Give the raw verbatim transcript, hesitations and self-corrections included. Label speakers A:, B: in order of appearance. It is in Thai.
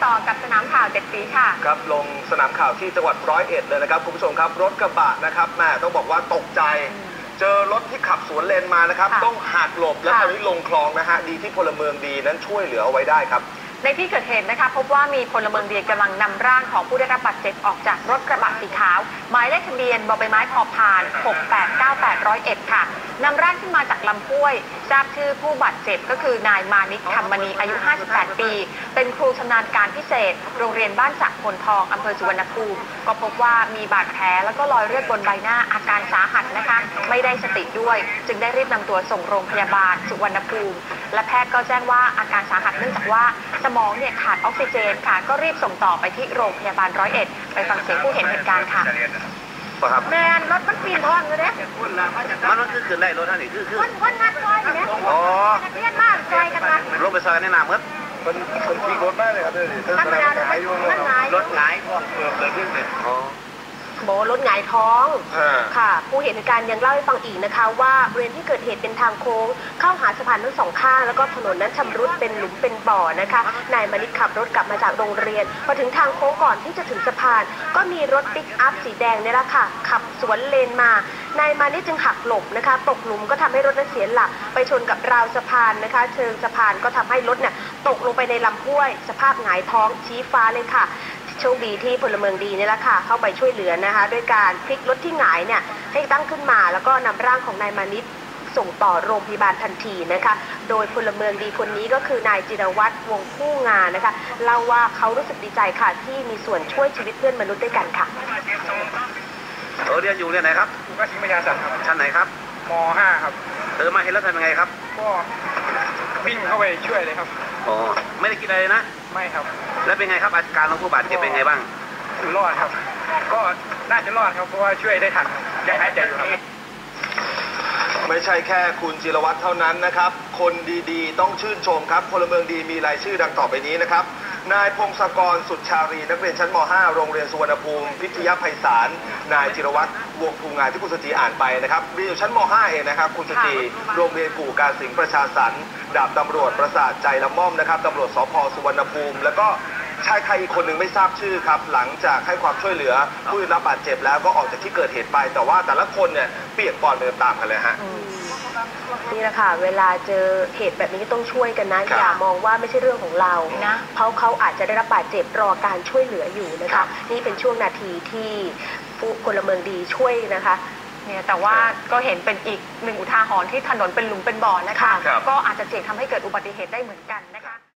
A: ต่อกับสนามข่าวเจ็ดสีค่ะ
B: ครับลงสนามข่าวที่จังหวัดร้อยเอ็ดเลยนะครับคุณผู้ชมครับรถกระบะนะครับแม่ต้องบอกว่าตกใจเจอรถที่ขับสวนเลนมานะครับต้องหักหลบและคราวนี้ลงคลองนะฮะดีที่พลเมืองดีนั้นช่วยเหลือเอาไว้ได้ครับ
A: ในที่เกิดเหตุนะคะพบว่ามีพลเมืองดีกำลังนำร่างของผู้ได้รับบาดเจ็บออกจากรถกระบะสีขาวหมายเลขทะเบียนบใบไม้พอพานหกแปดเก้าแปด ร้อยเอ็ดค่ะนำร่างขึ้นมาจากลำห้วยทราบชื่อผู้บาดเจ็บก็คือนายมานิชธรรมณีอายุห้าสิบแปดปีเป็นครูชำนาญการพิเศษโรงเรียนบ้านสักพลทองอำเภอสุวรรณภูมิก็พบว่ามีบาดแผลแล้วก็รอยเลือดบนใบหน้าอาการสาหัสนะคะไม่ได้สติด้วยจึงได้รีบนำตัวส่งโรงพยาบาลสุวรรณภูมิและแพทย์ก็แจ้งว่าอาการสาหัสเนื่องจากว่าสมองเนี่ยขาดออกซิเจนค่ะก็รีบส่งต่อไปที่โรงพยาบาลร้อยเอ็ดไปฟังเสียงผู้เห็นเหตุการณ์ค่ะ
C: แมนรถมันปีนท้องเลยเนี่ยมันมันคือขึ้นได้รถท่านนี่คือคือคนคนงัดซอยเนี่ยอ๋อเลียนมากซอยกันมาลงไปซอยในน้ำครับ
B: มันมันปีรถได้เลยครับเลย
C: ธรรมดาเลยรถหงายรถหงายท้องเกิดเลยขึ้นเลยอ๋อ
D: โบรถหงายท้องค่ะผู้เห็นเหตุการณ์ยังเล่าให้ฟังอีกนะคะว่าบริเวณที่เกิดเหตุเป็นทางโค้งเข้าหาสะพานทั้งสองข้างแล้วก็ถนนนั้นชำรุดเป็นหลุมเป็นบ่อนะคะนายมณิชขับรถกลับมาจากโรงเรียนพอถึงทางโค้งก่อนที่จะถึงสะพานก็มีรถปิกอัพสีแดงนี่แหละค่ะขับสวนเลนมานายมานิชจึงหักหลบนะคะตกหลุมก็ทำให้รถนั้นเสียหลักไปชนกับราวสะพานนะคะเชิงสะพานก็ทำให้รถเนี่ยตกลงไปในลำห้วยสภาพหงายท้องชี้ฟ้าเลยค่ะโชคดีที่พลเมืองดีนี่แหละค่ะเข้าไปช่วยเหลือนะคะด้วยการพลิกรถที่หงายเนี่ยให้ตั้งขึ้นมาแล้วก็นำร่างของนายมานิชส่งต่อโรงพยาบาลทันทีนะคะโดยพลเมืองดีคนนี้ก็คือนายจิรวัตรวงผู้งานนะคะเล่าว่าเขารู้สึกดีใจค่ะที่มีส่วนช่วยชีวิตเพื่อนมนุษย์ด้วยกันค่ะ
C: เออเรียนอยู่เรียนไหนครับ
E: อยู่กัชิมยาสัตว์ครับ
C: ชั้นไหนครับ
E: ม.ห้า ครับ
C: เธอมาเห็นแล้วทำยังไงครับ
E: ก็วิ่งเข้าไปช่วยเลยครับ
C: อ๋อไม่ได้กินอะไรนะ
E: ไม่ครับ
C: แล้วเป็นไงครับอาการของผู้บาดเจ็บเป็นไงบ้าง
E: รอดครับก็น่าจะรอดครับเพราะว่าช่วยได้ทันยังหายใจอยู่ครับ
B: ไม่ใช่แค่คุณจิรวัตรเท่านั้นนะครับคนดีๆต้องชื่นชมครับพลเมืองดีมีรายชื่อดังต่อไปนี้นะครับนายพงศกรสุดชารีนักเรียนชั้นม.ห้า โรงเรียนสุวรรณภูมิพิทยาไพศาลนายจิรวัตรวงภูงานที่คุณสจีอ่านไปนะครับเรียนอยู่ชั้นม.ห้า เองนะครับคุณสจีโรงเรียนกู่การสิงห์ประชาสรรค์ดาบตำรวจประสาทใจละม่อมนะครับตำรวจสภ.สุวรรณภูมิแล้วก็ชายไทยอีกคนหนึ่งไม่ทราบชื่อครับหลังจากให้ความช่วยเหลือผู้ได้รับบาดเจ็บแล้วก็ออกจากที่เกิดเหตุไปแต่ว่าแต่ละคนเนี่ยเปียกปอนไปตามกันเลยฮะ
D: นี่แหละค่ะเวลาเจอเหตุแบบนี้ก็ต้องช่วยกันนะอย่ามองว่าไม่ใช่เรื่องของเรานะเพราะเขาอาจจะได้รับบาดเจ็บรอการช่วยเหลืออยู่นะคะนี่เป็นช่วงนาทีที่ผู้พลเมืองดีช่วยนะคะ
A: เนี่ยแต่ว่าก็เห็นเป็นอีกหนึ่งอุทาหรณ์ที่ถนนเป็นหลุมเป็นบ่อนะคะก็อาจจะเสี่ยงทำให้เกิดอุบัติเหตุได้เหมือนกันนะคะ